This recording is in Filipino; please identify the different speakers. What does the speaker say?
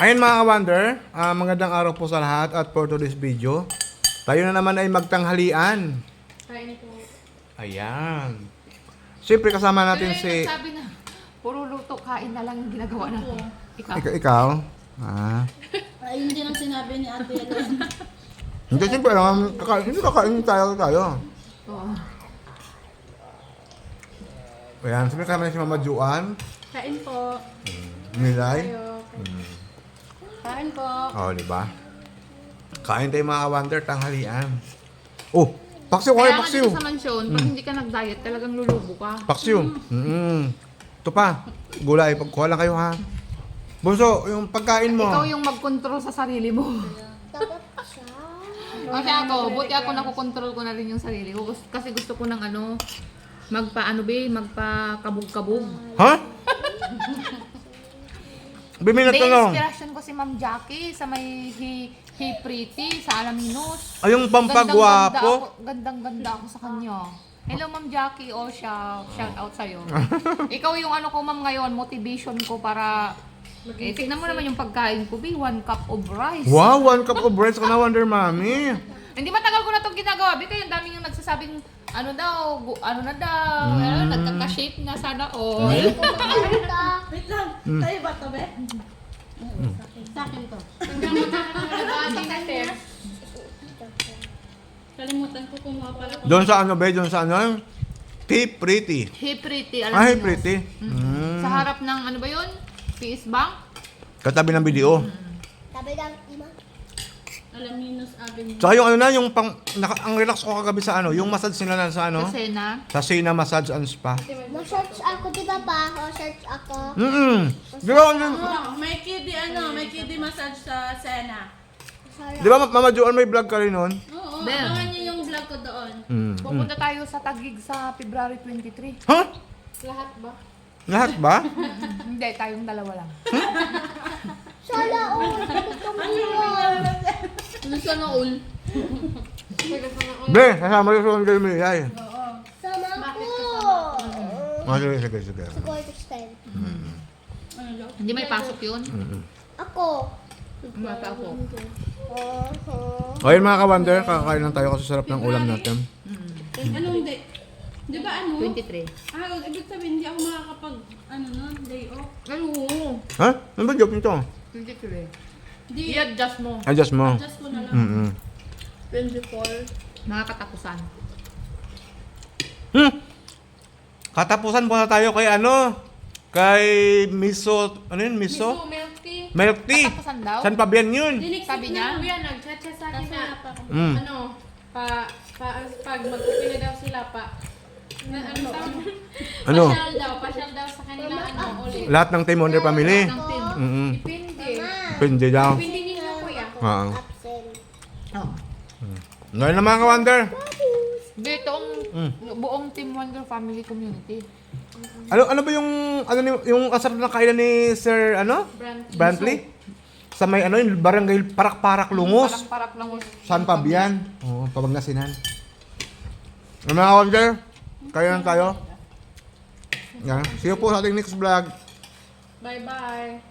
Speaker 1: Ayun mga ka-wonder, magandang araw po sa lahat at for today's video, tayo na naman ay magtanghalian.
Speaker 2: Kain po.
Speaker 1: Ayan. Siyempre kasama natin si...
Speaker 2: Sabi na, puro luto, kain na lang yung ginagawa natin. Ikaw?
Speaker 1: Ikaw?
Speaker 3: Ayun din ang sinabi ni Ate Ellen.
Speaker 1: Hindi, siyempre lang, hindi kakain tayo.
Speaker 2: Oo.
Speaker 1: Ayan, siyempre kasama natin si Mama Juan,
Speaker 3: Kain po.
Speaker 1: Milay.
Speaker 3: Kain po.
Speaker 1: Diba? Kain tayo mga ka-wonder, tanghalian. Oh, paksiw,
Speaker 2: Kaya nga
Speaker 1: paksiw.
Speaker 2: dito sa mansyon, pag hindi ka nag-diet, talagang lulubo ka.
Speaker 1: Paksiw. Ito pa, gulay, pagkuha lang kayo ha. Bunso, yung pagkain mo.
Speaker 2: Ikaw yung mag-control sa sarili mo. Kasi ako, buti ako nakokontrol ko na rin yung sarili ko. Kasi gusto ko ng magpa-kabog-kabog.
Speaker 1: Ha? Biminat
Speaker 2: May
Speaker 1: ka lang.
Speaker 2: inspiration ko si Ma'am Jackie sa may Hey Pretty, sa Alaminos.
Speaker 1: Ay, yung pampagwapo.
Speaker 2: Gandang-ganda ako sa kanya. Hello Ma'am Jackie, siya, shout out sa'yo. Ikaw yung ko ma'am ngayon, motivation ko para... tignan mo naman yung pagkain ko, 1 cup of rice.
Speaker 1: Wow, 1 cup of rice ka na, Wonder Mami.
Speaker 2: Hindi matagal ko na itong ginagawa. Kaya yung daming yung nagsasabing, nagkaka-shape na sana all.
Speaker 3: Wait lang. Tayo ba ito, be? Sa akin to. Kalimutan ko kumuha pala ko.
Speaker 1: Doon sa ano, be? Doon sa ano? Hey Pretty.
Speaker 2: Hey Pretty, alam
Speaker 1: Hey
Speaker 2: niyo.
Speaker 1: Pretty.
Speaker 2: Sa harap ng ano ba yun? PS Bank?
Speaker 1: Katabi ng video.
Speaker 4: Tabi ng ima.
Speaker 3: Alaminos Avenue.
Speaker 1: Tsaka yung ano na, yung ang relax ko kagabi sa ano, yung massage nila na sa ano?
Speaker 2: Kasi na.
Speaker 1: Sa Sina Massage and Spa.
Speaker 4: Ma-search ako, di ba pa? Ma-search ako.
Speaker 1: Di ba,
Speaker 3: May kiddie massage sa Sena.
Speaker 1: di ba Mama Joan may vlog ka rin nun?
Speaker 3: Oo,
Speaker 2: Ben.
Speaker 3: abangan niyo yung vlog ko doon.
Speaker 2: Pupunta tayo sa Taguig sa February 23.
Speaker 1: Ha?
Speaker 3: Lahat ba?
Speaker 1: Lahat ba?
Speaker 2: Hindi, tayong dalawa lang.
Speaker 4: Sala,
Speaker 3: Sana all.
Speaker 1: Be, kasama rin sa kayo may ay.
Speaker 4: Sama ko.
Speaker 1: Sige.
Speaker 4: Go to stand.
Speaker 2: Hindi may pasok yun.
Speaker 4: Ako.
Speaker 2: Mata ako.
Speaker 1: Ayun mga ka-wonder, kakain lang tayo kasi sarap ng ulam natin.
Speaker 3: Anong day? Di ba
Speaker 2: 23.
Speaker 3: Ibig sabihin, hindi ako makakapag, day off.
Speaker 2: Ano?
Speaker 1: Ha? Ano ba joke nito?
Speaker 2: 23.
Speaker 3: Di,
Speaker 2: I-adjust mo.
Speaker 1: Adjust mo.
Speaker 3: adjust ko na lang.
Speaker 2: 24. Nakakatapusan.
Speaker 1: Katapusan muna tayo kay ano? Kay Miso, ano yun? Miso?
Speaker 3: milk tea.
Speaker 1: Milk tea.
Speaker 2: Katapusan daw?
Speaker 1: San pa ba yan?
Speaker 2: Sabi niya?
Speaker 5: Kuya, nag-chat sa akin na,
Speaker 1: Mm.
Speaker 5: pag mag-upi na daw sila
Speaker 1: Ano?
Speaker 5: pasyal daw sa kanila, ulit.
Speaker 1: Lahat ng Team Wonder Family.
Speaker 2: Ng team.
Speaker 5: Depende.
Speaker 1: Pindi daw.
Speaker 5: Depende ninyo, kuya.
Speaker 1: Oo.
Speaker 4: Absent.
Speaker 2: Oh.
Speaker 1: Ngayon na mga ka-wonder.
Speaker 2: Dito ang buong Team Wonder Family Community.
Speaker 1: Ano ba yung yung kasarap na kainan ni Sir Brantley? Sa may yung barangay Parak-Parak Lungos.
Speaker 2: Parang lang.
Speaker 1: San Fabian? Oo, Pabangasinan. Mga ka-wonder, kayo lang tayo. Yan. See you po sa ating next vlog.
Speaker 5: Bye-bye.